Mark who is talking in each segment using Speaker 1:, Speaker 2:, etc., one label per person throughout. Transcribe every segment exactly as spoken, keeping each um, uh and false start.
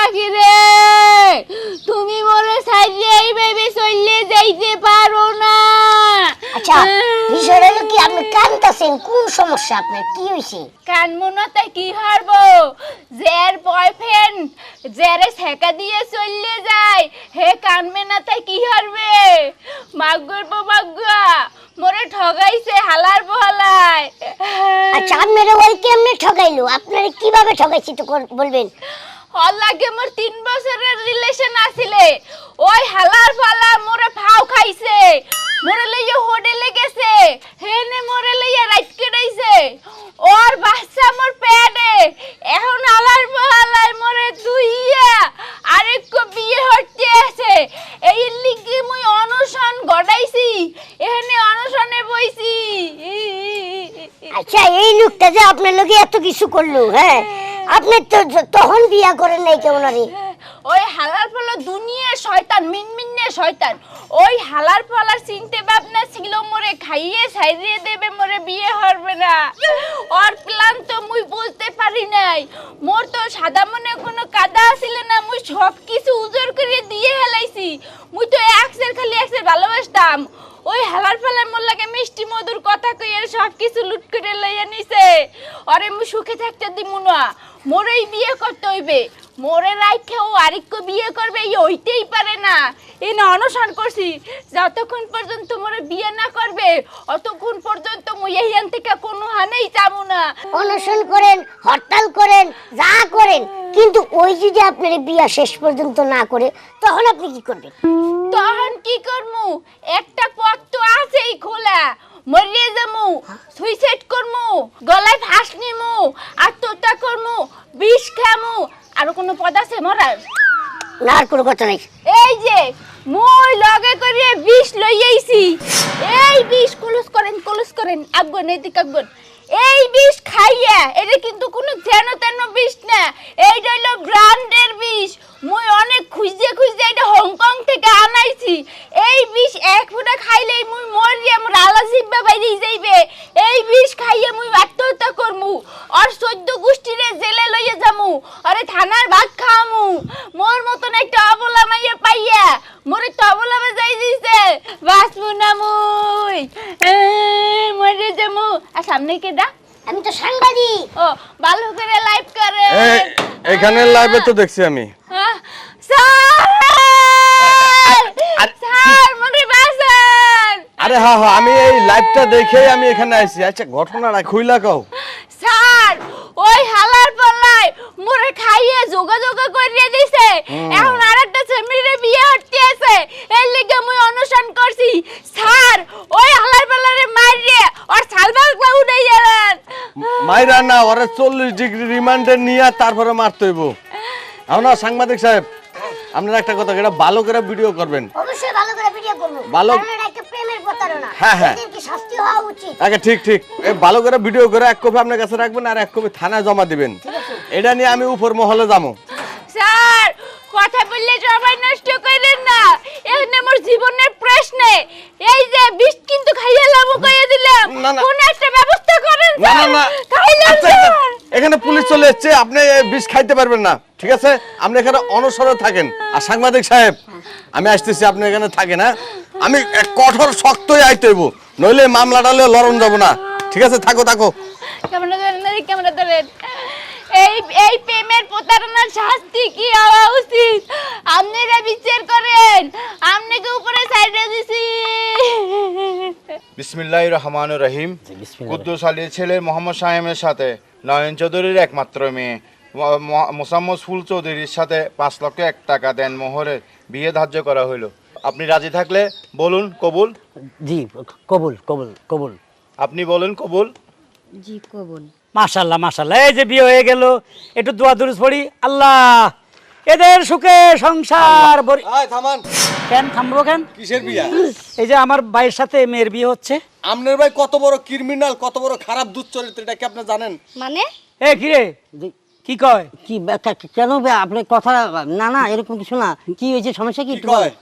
Speaker 1: পাখি রে, তুমি মোরে সাইডে এইভাবে চলে যাইতে পারো না।
Speaker 2: আচ্ছা বিষয়টা হলো কি, আপনি কাঁদতেছেন, কোন সমস্যা আপনার, কি হয়েছে?
Speaker 1: কানমু না তাই কি হারবো? যার বয়ফ্রেন্ড যারে ছেকা দিয়ে চলে যায় হে কানবে না তাই কি হারবে? মাগুর মাগুয়া মোরে ঠগাইছে হালার বহালায়।
Speaker 2: আচ্ছা আপনারা ওই কেমনে ঠগাইলো, আপনারা কিভাবে ঠগাইছে তো বলবেন?
Speaker 1: ওর লাগে মোর তিন বছরের রিলেশন আছিলে, ওই হালার ফালা মোরে ফাও খাইছে, মোরে লইয়া হোটেলে গেছে, হেনে মোরে লইয়া রাইট কেটাইছে, ওর বাচ্চা মোর পেটে, এখন হালার ফালায় মোরে দুইয়া আরেক বিয়ে হতে আছে। এই লিগে মুই অনশন গড়াইছি, এখানে অনশনে বইছি।
Speaker 2: আচ্ছা এই লোকটা যে আপনার লগে এত কিছু করলো, হ্যাঁ আপনি তো তখন বিয়া করেন নাই কেমন? আরে
Speaker 1: ওই হালার ফলা দুনিয়া শয়তান, মিনমিনে শয়তান। ওই হালার ফলার চিনতে ভাবনা ছিল মোরে খাইয়ে ছাইরিয়ে দেবে, মোরে বিয়ে হবে না। ওর প্ল্যান তো মুই বুঝতে পারি নাই। মোর তো সাদা মনে কোনো কাদা ছিল না, মুই সব কিছু উজোর করে দিয়ে হেলাইছি। মুই তো একসের খালি একসের ভালোবাসতাম। ওই হালার ফলার মোর লাগে মিষ্টি মধুর কথা কইয়ে সব কিছু লুট করে লইয়া নিছে। আরে মুই সুখে থাকতে দিমু না, মোরেই বিয়ে করতে হইবে। মোরে রাইখে ও আরেকটু বিয়ে করবে এই হইতেই পারে না। এই না অনশন করছি, যতক্ষণ পর্যন্ত মোরে বিয়ে না করবে অতক্ষণ পর্যন্ত মুই এইখান থেকে কোনো হানেই যাবো না।
Speaker 2: অনশন করেন, হরতাল করেন, যা করেন, কিন্তু ওই যদি আপনার বিয়া শেষ পর্যন্ত না করে তখন আপনি কি করবেন?
Speaker 1: তখন কি করমু? একটা পথ তো আছেই খোলা, মরিয়ে যামু, সুইসাইড করমু, গলায় ফাঁস নিমু, আত্মহত্যা করমু, বিষ খামু। আর কোনো পদ আছে মরার?
Speaker 2: না, আর কোনো কথা নাই।
Speaker 1: এই যে মই লগে করে বিষ লইয়াইছি, এই বিষ কুলুস করেন কুলুস করেন আগুন এদিক আগুন। এই বিষ খাইয়া এটা কিন্তু কোনো যেন তেন বিষ না, এইটা হলো ব্র্যান্ডের বিষ। মই অনেক খুঁজে খুঁজে এটা হংকং থেকে আনাইছি। এই বিষ এক ফুটা খাইলেই মুই মরি, আমার আলা জিব্বা বাইরে যাইবে। এই বিষ খাইয়া মুই আত্মহত্যা করমু, আর চোদ্দ গোষ্ঠীরে জেলে লইয়া যামু, আরে থানার ভাত খাওয়ামু। মোর মতন একটা অবলা মাইয়া পাইয়া মোরে তো অবলা যাই দিছে, বাঁচমু না মুই, মরে যামু। আর সামনে কে দা?
Speaker 2: আমি তো সাংবাদিক।
Speaker 1: ও ভালো করে লাইভ করে।
Speaker 3: এখানে লাইভে তো দেখছি আমি।
Speaker 1: স্যার মরে বাঁচান।
Speaker 3: আরে হ্যাঁ হ্যাঁ, আমি এই লাইভটা দেখেই আমি এখানে আইছি। আচ্ছা ঘটনাটা খুইলা কও।
Speaker 1: স্যার ওই হালার পাল্লায় মোরে খাইয়ে যোগা যোগা করিয়ে দিছে, এখন আরেকটা ছেমিরে বিয়ে হতে আছে, এই লাগি মুই অনুসরণ করছি। স্যার ওই হালার পাল্লারে মারিয়ে আর সালবাল ক্লাউ উড়াই যাবেন।
Speaker 3: মাইরা না, ওরে চল্লিশ ডিগ্রি রিমান্ডে নিয়ে তারপরে মারতে হইব। আমরা সাংবাদিক সাহেব, আপনারা একটা কথা, এটা ভালো করে ভিডিও করবেন।
Speaker 2: অবশ্যই ভালো করে ভিডিও করব,
Speaker 3: ভালো।
Speaker 2: কারণ এটা একটা প্রেমের প্রতারণা।
Speaker 3: হ্যাঁ হ্যাঁ,
Speaker 2: এদের কি শাস্তি হওয়া উচিত।
Speaker 3: আচ্ছা ঠিক ঠিক, এই ভালো করে ভিডিও করে এক কপি আপনার কাছে রাখবেন আর এক কপি থানায় জমা দিবেন। এটা নিয়ে আমি উপর মহলে যাবো।
Speaker 1: স্যার কথা বললে সবাই নষ্ট করেন না, এখানে মোর জীবনের প্রশ্ন। এই যে বিষ কিন্তু খাইলাম কইয়া দিলাম, কোন একটা ব্যবস্থা করেন
Speaker 3: না
Speaker 1: স্যার।
Speaker 3: না না,
Speaker 1: খাইলাম
Speaker 3: আচ্ছা,
Speaker 1: স্যার।
Speaker 3: এখানে পুলিশ চলে এসেছে, আপনি বিষ খাইতে পারবেন না, ঠিক আছে? আপনি এখানে অনশনে থাকেন। আর সাংবাদিক সাহেব আমি আসতেছি, আপনি এখানে থাকেন। হ্যাঁ, আমি কঠোর শক্তই আইতে হইব, নইলে মামলাটা লড়ন যাব না, ঠিক আছে? থাকো থাকো।
Speaker 1: ক্যামেরা ধরেন, ক্যামেরা ধরেন। এই এই প্রেমের প্রতারণার শাস্তি কি হওয়া উচিত আপনারা বিচার করেন। আপনাকে উপরে সাইডে দিছি।
Speaker 4: বিসমিল্লাহির রহমানির রহিম। কুদ্দুস আলীর ছেলে মোহাম্মদ শাহেমের সাথে নয়ন চৌধুরীর একমাত্র মেয়ে মোসাম্মদ ফুল চৌধুরীর সাথে পাঁচ লক্ষ এক টাকা দেন মোহরে বিয়ে ধার্য করা হইল। আপনি রাজি থাকলে বলুন কবুল।
Speaker 5: জি কবুল কবুল কবুল।
Speaker 4: আপনি বলেন কবুল।
Speaker 6: জি কবুল।
Speaker 5: মাশাআল্লাহ মাশাআল্লাহ, এই যে বিয়ে হয়ে গেল, একটু দোয়া দুরূদ পড়ি। আল্লাহ এদের সুখে সংসার ভরি।
Speaker 3: আয় থামান।
Speaker 5: কেন থামবো কেন?
Speaker 3: কিসের বিয়া?
Speaker 5: এই যে আমার ভাইয়ের সাথে মেয়ের বিয়ে হচ্ছে।
Speaker 3: আপনার ভাই কত বড় ক্রিমিনাল, কত বড় খারাপ দুশ্চরিত্র, এটা কি আপনি জানেন?
Speaker 6: মানে
Speaker 5: এ কি রে, কি কয়?
Speaker 7: কি কেন আপনি কথা? না না এরকম কিছু না, কি হয়েছে, সমস্যা কি?
Speaker 3: কি কয়?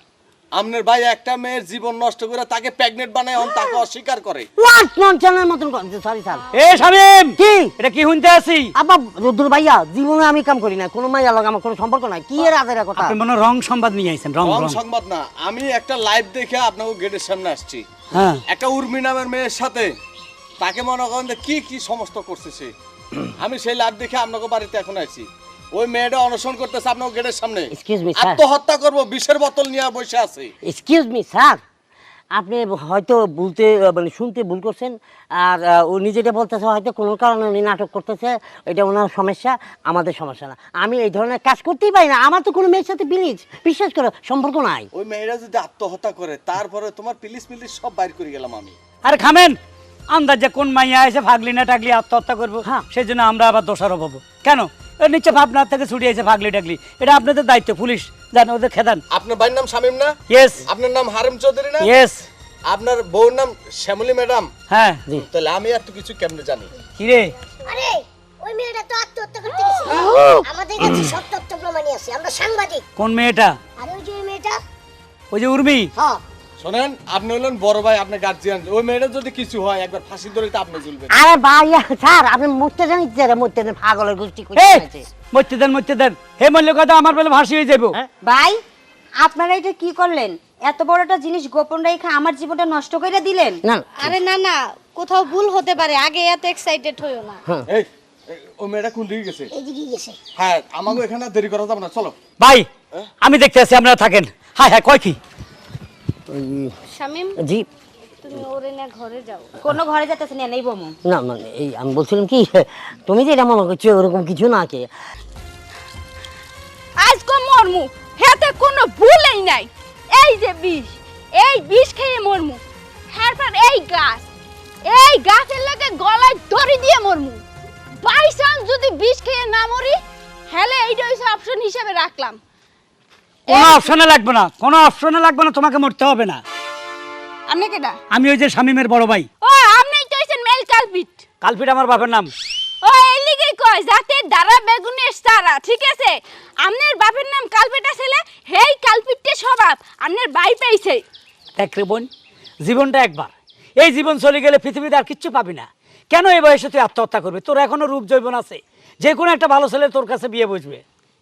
Speaker 3: আপনার ভাই একটা মেয়ের জীবন নষ্ট করে তাকে প্রেগনেন্ট বানায় অন তাকে অস্বীকার করে।
Speaker 2: হোয়াট ননসেন্সের মতন করছে, সরি স্যার।
Speaker 5: এ শামিম,
Speaker 2: কি
Speaker 5: এটা কি শুনতে আছি?
Speaker 2: আব্বা রুদ্র ভাইয়া, জীবনে আমি কাম করি না, কোনো মাইয়া লগে আমার কোনো সম্পর্ক নাই। কি এর আদের কথা?
Speaker 5: আপনি মনে হয় রং সংবাদ নিয়ে আইছেন, রং
Speaker 3: রং
Speaker 5: রং।
Speaker 3: সংবাদ না, আমি একটা লাইভ দেখে আপনাকে গেটের সামনে আসছি।
Speaker 5: হ্যাঁ,
Speaker 3: একটা উর্মি নামের মেয়ের সাথে তাকে মনে করেন যে কি কি সমস্ত করছে সে। আমি সেই লাইভ দেখে আপনাকে বাড়িতে এখন আইছি। ওই মেয়েটা অনশন করতেছে আপনাকে গেটের সামনে।
Speaker 2: Excuse me, sir.
Speaker 3: আত্মহত্যা করবো বিষের বোতল নিয়ে বসে আছে।
Speaker 2: এক্সকিউজ মি স্যার, আপনি হয়তো বলতে মানে শুনতে ভুল করছেন। আর আহ, ও নিজেটা বলতেছে হয়তো কোনো কারণে উনি নাটক করতেছে, এটা ওনার সমস্যা, আমাদের সমস্যা না। আমি এই ধরনের কাজ করতেই পারি না, আমার তো কোনো মেয়ের সাথে বিলিজ বিশ্বাস করো সম্পর্ক নাই।
Speaker 3: ওই মেয়েরা যদি আত্মহত্যা করে তারপরে তোমার পিলিশ পিলিশ সব বাইর করে গেলাম আমি।
Speaker 5: আরে খামেন, আন্দাজে কোন মাইয়া এসে ভাগলি না টাগলি আত্মহত্যা করবো,
Speaker 2: হ্যাঁ।
Speaker 5: সেই জন্য আমরা আবার দোষারোপ হবো কেন? এর নিচে ভাবনার থেকে ছুটি এসে ভাগলি টাগলি, এটা আপনাদের দায়িত্ব, পুলিশ জান, ওদের খেদান।
Speaker 3: আপনার ভাইয়ের নাম শামীম না?
Speaker 5: ইয়েস
Speaker 3: আপনার নাম হারেম চৌধুরী না?
Speaker 5: ইয়েস।
Speaker 3: আপনার বউর নাম শ্যামলী ম্যাডাম?
Speaker 5: হ্যাঁ।
Speaker 3: তাহলে আমি এত কিছু কেমনে জানি?
Speaker 5: কিরে,
Speaker 2: আরে ওই মেয়েটা তো আত্মহত্যা করতে গেছে, আমাদের কাছে সব তথ্য প্রমাণই আছে, আমরা সাংবাদিক।
Speaker 5: কোন মেয়েটা?
Speaker 2: আর ওই যে ওই মেয়েটা,
Speaker 5: ওই যে উর্মি।
Speaker 2: হ্যাঁ।
Speaker 3: শোনেন, আপনি হলেন বড় ভাই, আপনার গার্জিয়ান। ওই মেয়েটা যদি কিছু হয় একবার ফাঁসি ধরে তো আপনি ঝুলবেন।
Speaker 2: আরে ভাইয়া স্যার, আপনি মরতে জানি যে মরতে দেন, পাগলের গোষ্ঠী
Speaker 5: এই,
Speaker 2: কইছে।
Speaker 5: মরতে দেন মরতে দেন, হে মল্ল কথা আমার বেলা ভাসি হয়ে যাবো।
Speaker 6: ভাই, আপনারা এটা কি করলেন? এত বড় একটা জিনিস গোপন রেখে আমার জীবনটা নষ্ট করে দিলেন।
Speaker 2: না
Speaker 7: আরে না না, কোথাও ভুল হতে পারে, আগে এত এক্সাইটেড হইও না।
Speaker 3: এই, এই, ওই মেয়েটা কোন দিকে গেছে?
Speaker 2: এইদিকে গেছে।
Speaker 3: হ্যাঁ, আমাকে এখানে আর দেরি করা যাবে না, চলো।
Speaker 5: ভাই, আমি দেখতে আছি, আপনারা থাকেন। হ্যাঁ হ্যাঁ, কয় কি?
Speaker 7: শামিম,
Speaker 2: জি
Speaker 7: তুমি ওরে না ঘরে যাও।
Speaker 6: কোনো ঘরে যেতেছে না, নেই বমু।
Speaker 2: না মানে এই আমি বলছিলাম কি, তুমি যে এটা মনে করছো ওরকম কিছু না কে।
Speaker 1: আজকে মরমু, হেতে কোনো ভুলেই নাই। এই যে বিষ, এই বিষ খেয়ে মরমু। তারপর এই গাছ, এই গাছের লাগে গলায় দড়ি দিয়ে মরমু। বাই চান্স যদি বিষ খেয়ে না মরি, হেলে এইটা হইছে অপশন হিসেবে রাখলাম।
Speaker 5: কোনো অপশনে লাগবে না, কোনো অপশনে লাগবে না, তোমাকে মরতে হবে না।
Speaker 1: আপনি কেডা?
Speaker 5: আমি ওই যে শামিমের বড় ভাই।
Speaker 1: ও, আপনিই তো হইছেন মেল কালপিট।
Speaker 5: কালপিট আমার বাপের নাম।
Speaker 1: ও, এই লিগেই কয় যাতে দাঁড়া বেগুনের সারা, ঠিক আছে? আপনার বাপের নাম কালপিটা ছেলে, হেই কালপিটে স্বভাব আপনার ভাই পাইছে।
Speaker 5: দেখ রে বোন, জীবনটা একবার, এই জীবন চলে গেলে পৃথিবীতে আর কিচ্ছু পাবি না। কেন এই বয়সে তুই আত্মহত্যা করবি? তোর এখনো রূপ যৌবন আছে, যে কোনো একটা ভালো ছেলে তোর কাছে বিয়ে বসবে।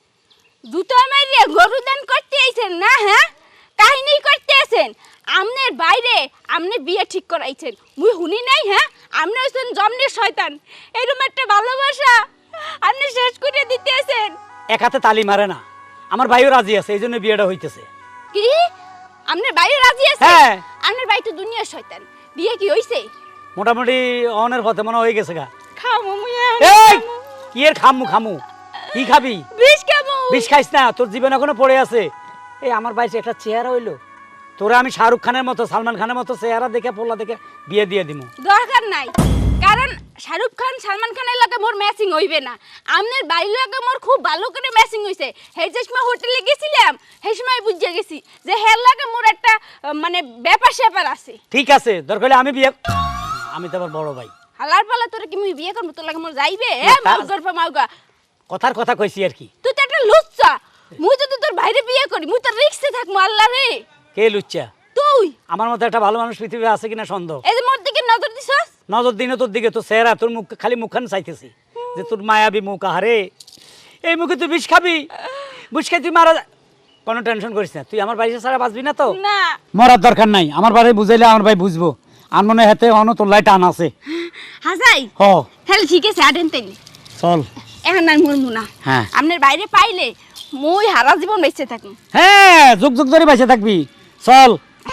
Speaker 1: দুটো মাইরে গরু দান করতে আইছেন না? হ্যাঁ, কাহিনী করতে আছেন। আমনের বাইরে আমনে বিয়ে ঠিক করাইছেন, মুই শুনি নাই? হ্যাঁ, আমনে হইছেন জমনের শয়তান। এরকম একটা ভালোবাসা আপনি শেষ করে দিতে আছেন।
Speaker 5: এক হাতে তালি মারে না, আমার ভাইও রাজি আছে, এই জন্য বিয়েটা হইতেছে।
Speaker 1: কি আমনের বাইরে রাজি আছে?
Speaker 5: হ্যাঁ।
Speaker 1: আমনের ভাই তো দুনিয়ার শয়তান। বিয়ে কি হইছে?
Speaker 5: মোটামুটি অনের পথে মনে হয়ে গেছে গা।
Speaker 1: খামু মুই
Speaker 5: এই, কি এর খামু খামু? কি খাবি?
Speaker 1: বিষ খামু।
Speaker 5: বিষ খাইস না, তোর জীবন এখনো পড়ে আছে। এই আমার বাইরে একটা চেহারা হইলো, তোরা আমি শাহরুখ খানের মতো সালমান খানের মতো চেহারা দেখে পোলা দেখে বিয়ে দিয়ে দিমু।
Speaker 1: দরকার নাই, কারণ শাহরুখ খান সালমান খানের লগে মোর ম্যাচিং হইবে না। আমনের বাড়ির লগে মোর খুব ভালো করে ম্যাচিং হইছে। সেই যে সময় হোটেলে গেছিলাম, সেই সময় বুঝে গেছি যে হের লগে মোর একটা আহ, মানে ব্যাপার স্যাপার আছে।
Speaker 5: ঠিক আছে, দরকার হলে আমি বিয়ে, আমি তো আবার বড় ভাই।
Speaker 1: হালার পালা তোরে কি মুই বিয়ে করবো? তোর লাগে মোর যাইবে?
Speaker 5: না, তা-
Speaker 1: মাউ গর্ভ মাউগা,
Speaker 5: কথার কথা কইছি আর কি।
Speaker 1: তুই তো একটা লুচ্চা। মুই যদি তোর বাইরে বিয়ে করি, মুই তো রিক্সে থাকবো। আল্লাহ রে,
Speaker 5: কে লুচ্চা?
Speaker 1: তুই
Speaker 5: আমার মতো একটা ভালো মানুষ পৃথিবীতে আছে কিনা সন্দেহ।
Speaker 1: এই যে মোর দিকে নজর দিছস।
Speaker 5: নজর দিনে তোর দিকে, তোর চেহারা, তোর মুখ, খালি মুখখান চাইতেছি যে তোর মায়াবী মুখ। আহারে, এই মুখে তুই বিষ খাবি, বিষ খাই তুই মারা যা- কোনো টেনশন করিস না, তুই আমার বাড়িতে ছাড়া বাঁচবি না তো।
Speaker 1: না,
Speaker 5: মরার দরকার নাই, আমার বাড়ি বুঝাইলে আমার ভাই বুঝবো। আর মনে হাতে অন তোর লাই টান আছে।
Speaker 1: হাজাই
Speaker 5: হ,
Speaker 1: তাহলে ঠিক আছে, আডেন তাইলে
Speaker 5: চল।
Speaker 1: এখন আর মরমু না।
Speaker 5: হ্যাঁ।
Speaker 1: আপনার বাইরে পাইলে মুই হারা জীবন বেঁচে থাকি।
Speaker 5: হ্যাঁ, যুগ যুগ ধরে বেঁচে থাকবি, চল।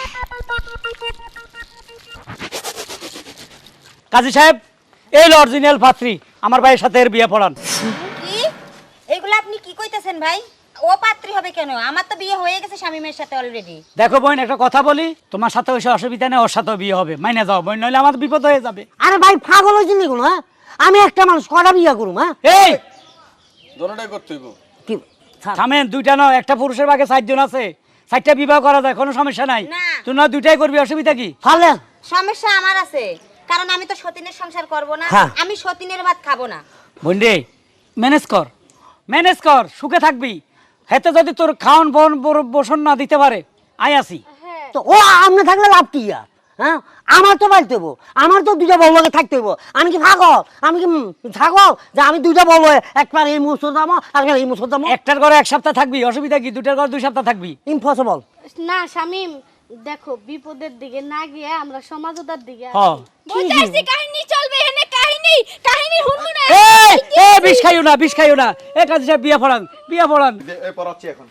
Speaker 5: কাজী সাহেব, এই অরিজিনাল পাত্রী, আমার ভাইয়ের সাথে এর বিয়ে পড়ান।
Speaker 6: কি এগুলো আপনি কি কইতেছেন ভাই? ও পাত্রী হবে কেন? আমার তো বিয়ে হয়ে গেছে শামিমের সাথে অলরেডি।
Speaker 5: দেখো বোন, একটা কথা বলি, তোমার সাথে ওইসব অসুবিধা নেই, ওর সাথেও বিয়ে হবে, মাইনে যাও বোন, নইলে আমার বিপদ হয়ে যাবে।
Speaker 2: আরে ভাই পাগল হয়েছেন দেখুন, হ্যাঁ আমি একটা মানুষ কটা বিয়া করুম? হ্যাঁ
Speaker 5: এই
Speaker 3: দোনোটাই করতে হইব।
Speaker 2: কি স্যার,
Speaker 5: থামেন, দুইটা নয়, একটা পুরুষের ভাগে চারজন আছে, চারটা বিবাহ করা যায়, কোনো সমস্যা নাই।
Speaker 6: না।
Speaker 5: তুই না দুইটাই করবি, অসুবিধা কি?
Speaker 2: ফালে
Speaker 6: সমস্যা আমার আছে, কারণ আমি তো সতীনের সংসার করব না,
Speaker 2: হ্যাঁ।
Speaker 6: আমি সতীনের ভাত খাবো না।
Speaker 5: বোন রে, ম্যানেজ কর, ম্যানেজ কর, সুখে থাকবি। হেতে যদি তোর খাওয়ান বন বসন না দিতে পারে, আই আসি।
Speaker 2: তো ও আপনি থাকলে লাভ কি আর? হ্যাঁ আমার তো বাড়তে হবো, আমার তো দুইটা বউ লগে থাকতে হবো। আমি কি থাকো আমি কি উম, থাকো যে আমি দুইটা বউ একবার এই মুসুর দামো আর এই মুসুর দামো?
Speaker 5: একটার ঘরে এক সপ্তাহ থাকবি, অসুবিধা কি? দুটার ঘরে দুই সপ্তাহ থাকবি।
Speaker 2: ইম্পসিবল।
Speaker 7: না শামিম, দেখো বিপদের দিকে না গিয়ে আমরা সমাজতার দিকে
Speaker 5: হ
Speaker 7: আসি।
Speaker 1: বুঝতে আসছি কাহিনী চলবে এখানে, কাহিনী কাহিনী শুনবো না।
Speaker 5: এই এ বিষ খাইও না, বিষ খাইও না। এ কাজী সাহেব বিয়া পড়ান, বিয়া পড়ান।
Speaker 4: এই পড়াচ্ছি এখন।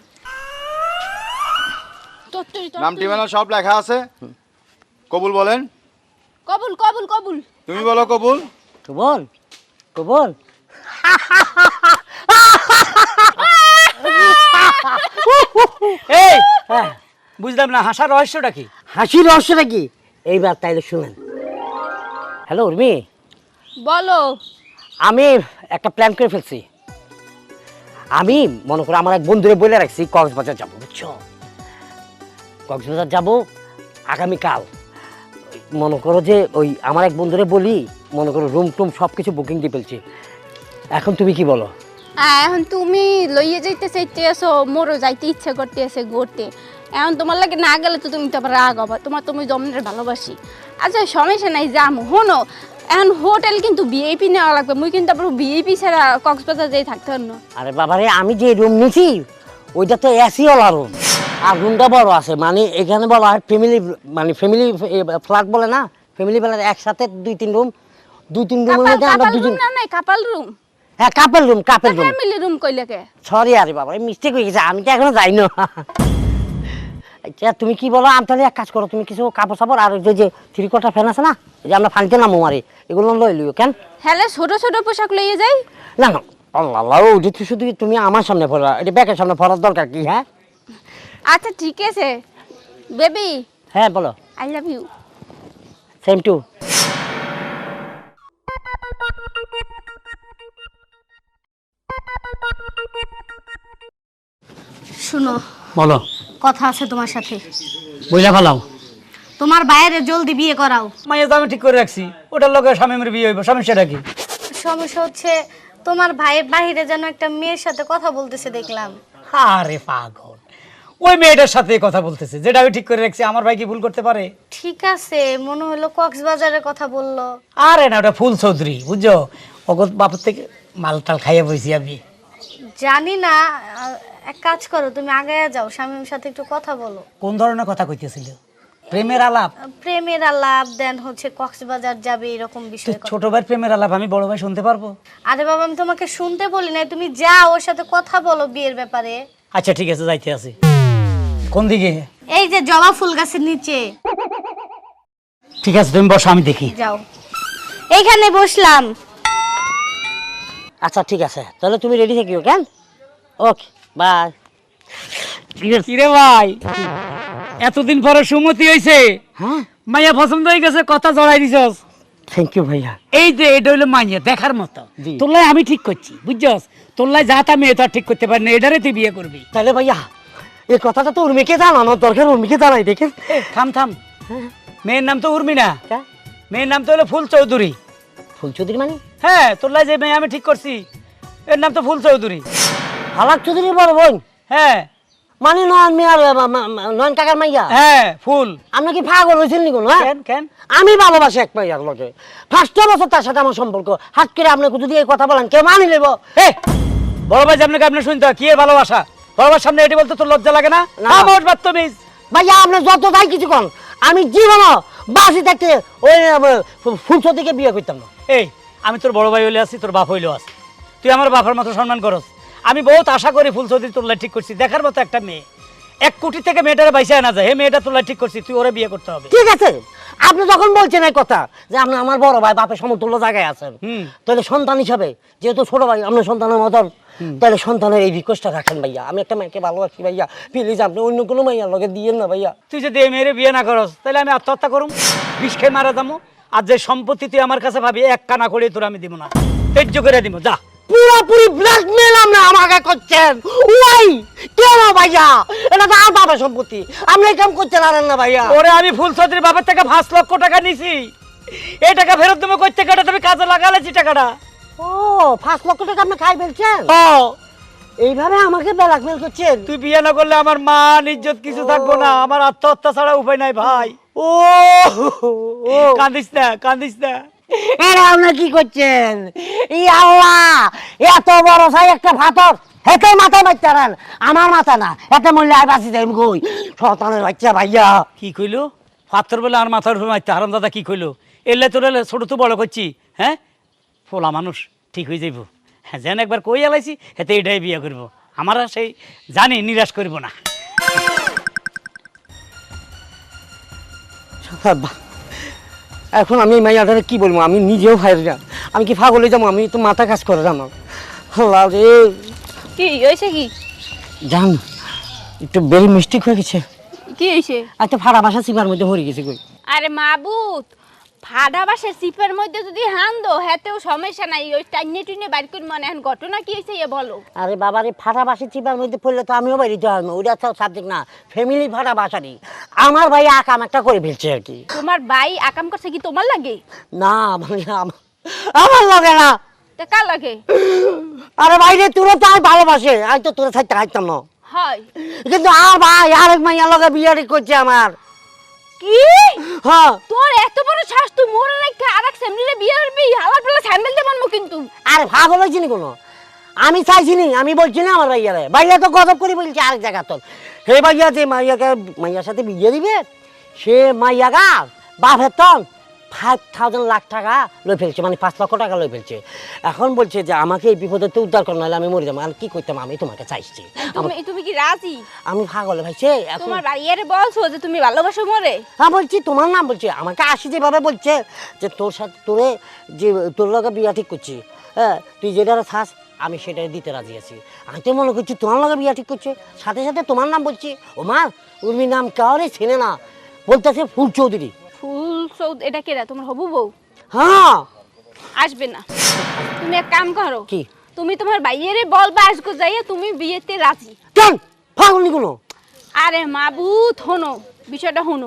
Speaker 1: তত্ত্বই
Speaker 4: নাম
Speaker 1: তত্ত্বই।
Speaker 4: ঠিকানা সব লেখা আছে। কবুল বলেন।
Speaker 1: কবুল কবুল কবুল।
Speaker 4: তুমি বলো কবুল।
Speaker 2: কবল কবল।
Speaker 5: এই
Speaker 2: হ্যাঁ
Speaker 5: বুঝলাম না হাসার রহস্যটা কি?
Speaker 2: হাসির রহস্যটা কি এইবার তাইলে শুনেন। হ্যালো উর্মি,
Speaker 1: বলো।
Speaker 2: আমি একটা প্ল্যান করে ফেলছি। আমি মনে করো আমার এক বন্ধুরে বলে রাখছি কক্সবাজার যাবো, বুঝছো? কক্সবাজার যাব আগামীকাল। মনে করো যে ওই আমার এক বন্ধুরে বলি, মনে করো রুম টুম সব কিছু বুকিং দিয়ে ফেলছি। এখন তুমি কি বলো?
Speaker 1: আহ, এখন তুমি লইয়ে যাইতে চাইতে আসো, মোরও যাইতে ইচ্ছা করতে আছে ঘুরতে। এখন তোমার লাগে না গেলে তো তুমি তো আবার রাগ হবা, তোমার তুমি জমনের ভালোবাসি। আচ্ছা সমস্যা নাই, যাম। শোনো এখন হোটেল কিন্তু ভিআইপি নেওয়া লাগবে, মুই কিন্তু আবার ভিআইপি ছাড়া কক্সবাজার যাই থাকতে পারব না।
Speaker 2: আরে বাবারে, আমি যে রুম নিছি ওইটা তো এসি ওয়ালা রুম, আর রুমটা বড় আছে। মানে এখানে বলা হয় ফ্যামিলি, মানে ফ্যামিলি ফ্ল্যাট বলে না, ফ্যামিলি ফ্ল্যাট একসাথে দুই তিন রুম, দুই তিন রুমের মধ্যে আমরা
Speaker 1: কাপাল
Speaker 2: দুজন।
Speaker 1: রুম না নাই কাপাল রুম,
Speaker 2: হ্যাঁ couple room, couple room.
Speaker 1: Family room কইলে কে?
Speaker 2: সরি আরে বাবা, মিস্টেক হয়ে গেছে, আমি তো এখনো যাই না। আচ্ছা তুমি কি বলো, আমি তাহলে এক কাজ করো, তুমি কিছু কাপড় সাপড় আর ওই যে থ্রি কোয়ার্টার ফ্যান আছে না, এই যে আমরা ফানিতে নামো মারি, এগুলো লই লিও কেন?
Speaker 1: হ্যাঁ ছোট ছোট পোশাক লইয়ে যাই।
Speaker 2: না না আল্লাহ আল্লাহ, ওইটা তো শুধু তুমি আমার সামনে পড়া, এটা ব্যাকের সামনে পড়ার দরকার কি? হ্যাঁ
Speaker 1: আচ্ছা ঠিক আছে বেবি,
Speaker 2: হ্যাঁ বলো।
Speaker 1: I love you.
Speaker 2: Same too.
Speaker 7: শুনো,
Speaker 5: বলো।
Speaker 7: কথা আছে তোমার সাথে।
Speaker 5: বইলা ফেলাও।
Speaker 7: তোমার বাইরে জলদি বিয়ে করাও।
Speaker 5: মাইয়া তো আমি ঠিক করে রাখছি, ওটার লগে স্বামীর বিয়ে হইব, সমস্যাটা কি?
Speaker 7: সমস্যা হচ্ছে তোমার ভাই বাইরে যেন একটা মেয়ের সাথে কথা বলতেছে দেখলাম।
Speaker 5: আরে পাগল, ওই মেয়েটার সাথে কথা বলতেছে, যেটা আমি ঠিক করে রাখছি। আমার ভাই কি ভুল করতে পারে?
Speaker 7: ঠিক আছে, মনে হলো কক্সবাজারের কথা বললো।
Speaker 5: আরে না, ওটা ফুল চৌধুরী, বুঝছো? অগত বাপের থেকে মাল টাল খাইয়ে বইছি আমি।
Speaker 7: জানি না, আহ, এক কাজ করো, তুমি আগে যাও, স্বামীর সাথে একটু কথা বলো।
Speaker 5: কোন ধরনের কথা কইতেছিল? প্রেমের আলাপ?
Speaker 7: প্রেমের আলাপ, দেন হচ্ছে কক্সবাজার যাবে এরকম
Speaker 5: তুই
Speaker 7: বিষয়।
Speaker 5: ছোট ভাই প্রেমের আলাপ আমি বড় ভাই শুনতে পারবো?
Speaker 7: আরে বাবা, আমি তোমাকে শুনতে বলি না, তুমি যাও ওর সাথে কথা বলো বিয়ের ব্যাপারে।
Speaker 5: আচ্ছা ঠিক আছে, যাইতে আছি। কোন দিকে?
Speaker 7: এই যে জবা ফুল গাছের নিচে।
Speaker 5: ঠিক আছে তুমি বসো, আমি দেখি।
Speaker 7: যাও, এইখানে বসলাম।
Speaker 2: আচ্ছা ঠিক আছে, তাহলে তুমি রেডি থাকিও কেন? Okay bye.
Speaker 5: কিরে ভাই, এতদিন পরে সুমতি হইছে,
Speaker 2: হ্যাঁ
Speaker 5: মাইয়া পছন্দ হয়ে গেছে, কথা জড়াই দিছস।
Speaker 2: থ্যাংক ইউ ভাইয়া।
Speaker 5: এই যে এটা হইলো মাইয়া দেখার মতো,
Speaker 2: জি।
Speaker 5: তোলাই আমি ঠিক করছি, বুঝছস? তোলাই যা তা মেয়ে তো আর ঠিক করতে পারি না, এটারে তুই বিয়ে করবি।
Speaker 2: তাহলে ভাইয়া এই কথাটা তো উর্মিকে জানানোর দরকার, উর্মিকে জানাই দেখে।
Speaker 5: এ, থাম থাম, মেয়ের নাম তো উর্মি না,
Speaker 2: হ্যাঁ?
Speaker 5: মেয়ের নাম তো হলো ফুল চৌধুরী।
Speaker 2: ফুল চৌধুরী মানে?
Speaker 5: হ্যাঁ, তোলাই যে মেয়ে আমি ঠিক করছি এর নাম তো ফুল চৌধুরী।
Speaker 2: হালাক চৌধুরী বড় বোন?
Speaker 5: হ্যাঁ
Speaker 2: মানে নয়ন মিয়ার মা- মা- মা- নয়ন কাকার মাইয়া?
Speaker 5: হ্যাঁ ফুল।
Speaker 2: আপনি কি পাগল হয়েছেন নি কোনো? হ্যাঁ?
Speaker 5: কেন কেন?
Speaker 2: আমি ভালোবাসি এক মাইয়ার লোকে, ফার্স্ট বছর তার সাথে আমার সম্পর্ক, হাত করে আপনাকে যদি এই কথা বলেন কেউ মানি নেব?
Speaker 5: এ বড় ভাই আপনাকে আপনি শুনতে হয় কি এর ভালোবাসা? বড়বার সামনে এটি বলতে তোর লজ্জা লাগে না?
Speaker 2: না।
Speaker 5: আমার বাত্তমিজ।
Speaker 2: ভাইয়া আপনি যত তাই কিছু কন, আমি জীবনও বাসি থাকতে ওই ফুল চৌধুরীকে বিয়ে করতাম না।
Speaker 5: এই আমি তোর বড় ভাই হইলে আছি, তোর বাপ হইলেও আছি, তুই আমার বাবার মতো সম্মান করস। আমি বহুত আশা করি ফুল চৌধুরী তোরলাই ঠিক করছি, দেখার মতো একটা মেয়ে, এক কোটি থেকে মেয়েটারে বাইসে আনা যায়, হে মেয়েটা তোরলাই ঠিক করছি, তুই ওরে বিয়ে করতে হবে।
Speaker 2: ঠিক আছে, আপনি যখন বলছেন এই কথা যে আপনি আমার বড় ভাই, বাপের সমতুল্য জায়গায় আছেন,
Speaker 5: হুম।
Speaker 2: তাহলে সন্তান হিসাবে যেহেতু ছোট ভাই আপনার সন্তানের মতন, তাহলে সন্তানের এই রিকোয়েস্টটা রাখেন ভাইয়া। আমি একটা মেয়েকে ভালোবাসি ভাইয়া, প্লিজ আপনি অন্য কোনো মাইয়ার লগে দিয়েন না ভাইয়া।
Speaker 5: তুই যদি এই মেয়েরে বিয়ে না করস তাহলে আমি আত্মহত্যা করুম, বিষ খেয়ে মারা যাবো। আর যে সম্পত্তি তুই আমার কাছে ভাবি এক কানা করে তোর আমি দিব না, তেজ্য করে দিব। যা।
Speaker 2: পুরোপুরি ব্ল্যাকমেল আপনি আমাকে করছেন। ওই কেন ভাইয়া, এটা তো আমার বাবার সম্পত্তি, আপনি এই কাম করতে পারেন না ভাইয়া।
Speaker 5: ওরে আমি ফুল চৌধুরীর বাবার থেকে পাঁচ লক্ষ টাকা নিছি, এই টাকা ফেরত দেবো কই থেকে? তুমি কাজে লাগালেছি টাকাটা।
Speaker 2: ও পাঁচ লক্ষ টাকা আপনি খাই ফেলছেন?
Speaker 5: ও
Speaker 2: এইভাবে আমাকে ব্ল্যাকমেল করছেন?
Speaker 5: তুই বিয়ে না করলে আমার মান ইজ্জত কিছু থাকবো না, আমার আত্মহত্যা ছাড়া উপায় নাই ভাই।
Speaker 2: ও ও
Speaker 5: কাঁদিস না, কাঁদিস না।
Speaker 2: এরা আপনার কি করছেন? ই আল্লাহ, এত বড় সাই একটা ফাতর হেতে মাথায় মারতেন, আমার মাথা না, এতে মূল্য আর বাঁচি যাই কই শয়তানের বাচ্চা ভাইয়া।
Speaker 5: কি কইলো? পাথর বলে আর মাথার উপর মারতে হারাম দাদা কি কইলো? এলে তোর ছোট তো বড় করছি, হ্যাঁ ফোলা মানুষ ঠিক হয়ে যাইব। হ্যাঁ যেন একবার কই আলাইছি হেতে এটাই বিয়ে করব, আমার আর সেই জানি নিরাশ করব না।
Speaker 2: এখন আমি এই মাইয়াটারে কি বলবো? আমি নিজেও ভাই না, আমি কি পাগল হয়ে যাবো? আমি তো মাথা কাজ করে জানো। আল্লাহ রে,
Speaker 1: কি হয়েছে? কি
Speaker 2: জান একটু বেরি মিস্টেক হয়ে গেছে।
Speaker 1: কি হয়েছে?
Speaker 2: একটা ফাড়া বাসা চিপার মধ্যে হরে গেছে কই।
Speaker 1: আরে মাবুত, ফাডা বাসের সিপের মধ্যে যদি হান দো হেতেও সমস্যা নাই, ওই টাইনে টুইনে বাইর করে মনে এখন ঘটনা কি হয়েছে এ বলো।
Speaker 2: আরে বাবা রে, ফাটা বাসা চিপার মধ্যে পড়লে তো আমিও বাড়িতে আসবো, ওইটা তো সাবজেক্ট না, ফ্যামিলি ফাটা বাসারই। আমার ভাই আকাম একটা করে ফেলছে আর কি।
Speaker 1: তোমার ভাই আকাম করছে কি তোমার লাগে?
Speaker 2: না মানে আমার আমার লাগে না।
Speaker 1: তা কার লাগে?
Speaker 2: আরে ভাইরে, তোরা তো আমি ভালোবাসে, আমি তো তোরা থাকতে হাইতাম না,
Speaker 1: হয়
Speaker 2: কিন্তু আর ভাই আরেক মাইয়া লগে বিয়ে করছে আমার।
Speaker 1: কি?
Speaker 2: হ্যাঁ।
Speaker 1: তোর এত বড় শ্বাস, তুই মোরে রেখে আরেক সেমনিরে বিয়ে করবি? হালার পালা স্যান্ডেল দিয়ে মানবো কিন্তু।
Speaker 2: আরে পাগল হয়েছি নি কোনো, আমি চাইছি নি, আমি বলছি না আমার ভাইয়ারে, ভাইয়া তো গজব করে বলছে আরেক জায়গা তোর। হে ভাইয়া যে মাইয়াকে মাইয়ার সাথে বিয়ে দিবে, সে মাইয়া গা বাপের তন ফাইভ থাউজেন্ড লাখ টাকা লই ফেলছে, মানে পাঁচ লক্ষ টাকা লই ফেলছে। এখন বলছে যে আমাকে এই বিপদে তো উদ্ধার কর, নাহলে আমি মরে যাবো। আর কি করতাম, আমি তোমাকে চাইছি।
Speaker 1: তুমি তুমি কি রাজি?
Speaker 2: আমি পাগল ভাইছে এখন।
Speaker 1: তোমার ভাইয়ারে বলছো যে তুমি ভালোবাসো মোরে?
Speaker 2: হ্যাঁ বলছি, তোমার নাম বলছে, আমাকে আসি যেভাবে বলছে যে তোর সাথে তোরে যে তোর লগে বিয়া ঠিক করছি, হ্যাঁ তুই যেটা থাস আমি সেটাই দিতে রাজি আছি। আমি তো মনে করছি তোমার লগে বিয়া ঠিক করছে, সাথে সাথে তোমার নাম বলছি। ও মা, উর্মির নাম কাউরে চেনে না, বলতেছে ফুল চৌধুরী।
Speaker 1: ফুল সৌদ এটা কেরা? তোমার হবু বউ?
Speaker 2: হ্যাঁ।
Speaker 1: আসবে না। তুমি এক কাম করো,
Speaker 2: কি?
Speaker 1: তুমি তোমার ভাইয়ারে বলবা আজকে যাইয়া তুমি বিয়েতে রাজি।
Speaker 2: কেন পাগল নি কোনো?
Speaker 1: আরে মাবুত হনো, বিষয়টা হনো,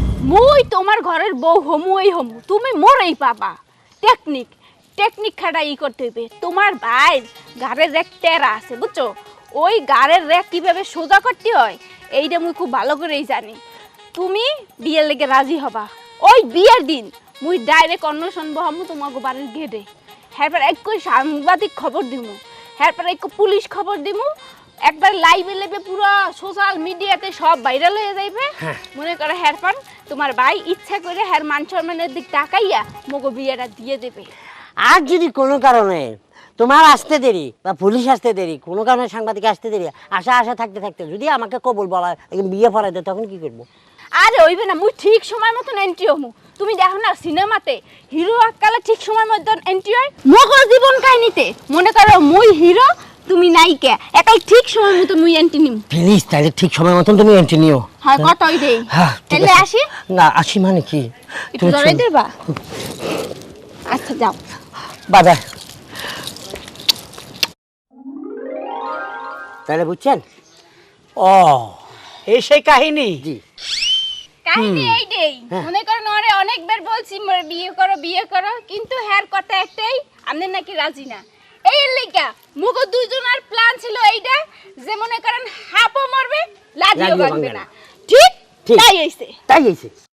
Speaker 1: মুই তোমার ঘরের বউ হমু, এই হমু, তুমি মোরেই পাবা। টেকনিক টেকনিক খাটা ই করতে হইবে। তোমার ভাই গাড়ের রেক টেরা আছে বুঝছো, ওই গাড়ের রেক কিভাবে সোজা করতে হয় এইটা মুই খুব ভালো করেই জানি। তুমি বিয়ের লেগে রাজি হবা, ওই বিয়ের দিন মুই ডাইরেক্ট অন্বেষণ বহামু তোমাকে বাড়ির গেটে। হ্যারপর এক সাংবাদিক খবর দিমু, হ্যারপর এক পুলিশ খবর দিমু, একবার লাইভে লেবে পুরো সোশ্যাল মিডিয়াতে সব ভাইরাল হয়ে যাইবে। মনে করো হ্যারপর তোমার ভাই ইচ্ছা করে হ্যার মান সম্মানের দিক তাকাইয়া মগো বিয়েটা দিয়ে দেবে।
Speaker 2: আর যদি কোনো কারণে তোমার আসতে দেরি বা পুলিশ আসতে দেরি, কোনো কারণে সাংবাদিক আসতে দেরি, আশা আশা থাকতে থাকতে যদি আমাকে কবুল বলা বিয়ে পড়াই দেয়, তখন কি করবো?
Speaker 1: আরে হইবে না, মুই ঠিক সময় মতন এন্ট্রি হমু। তুমি দেখো না সিনেমাতে হিরো আকালে ঠিক সময় মতন এন্ট্রি হয়, মগর জীবন কাহিনীতে মনে করো মুই হিরো তুমি নায়িকা, একাই ঠিক সময় মতো মুই এন্ট্রি নিম।
Speaker 2: প্লিজ তাহলে ঠিক সময় মতন তুমি এন্ট্রি নিও।
Speaker 1: হ্যাঁ কতই দেই।
Speaker 2: হ্যাঁ ঠিক
Speaker 1: তাহলে
Speaker 2: আছে।
Speaker 1: আসি?
Speaker 2: না আসি মানে কি?
Speaker 1: একটু ধরে দেবা? আচ্ছা যাও।
Speaker 2: Bye bye. তাহলে বুঝছেন?
Speaker 5: ও এই সেই কাহিনী।
Speaker 2: জি।
Speaker 1: কাহিনী এইটাই। মনে করো নরে অনেকবার বলছি মোরে বিয়ে করো বিয়ে করো, কিন্তু হ্যার কথা একটাই, আপনি নাকি রাজি না। এই লেগা মুগো দুইজনের প্ল্যান ছিল এইটা যে মনে করেন হাপও মরবে লাজিও
Speaker 2: লাজিও
Speaker 1: ভাঙবে
Speaker 2: ভাঙবে
Speaker 1: না।
Speaker 2: না।
Speaker 1: ঠিক
Speaker 2: ঠিক।
Speaker 1: তাই হইছে।
Speaker 2: তাই হয়েছে।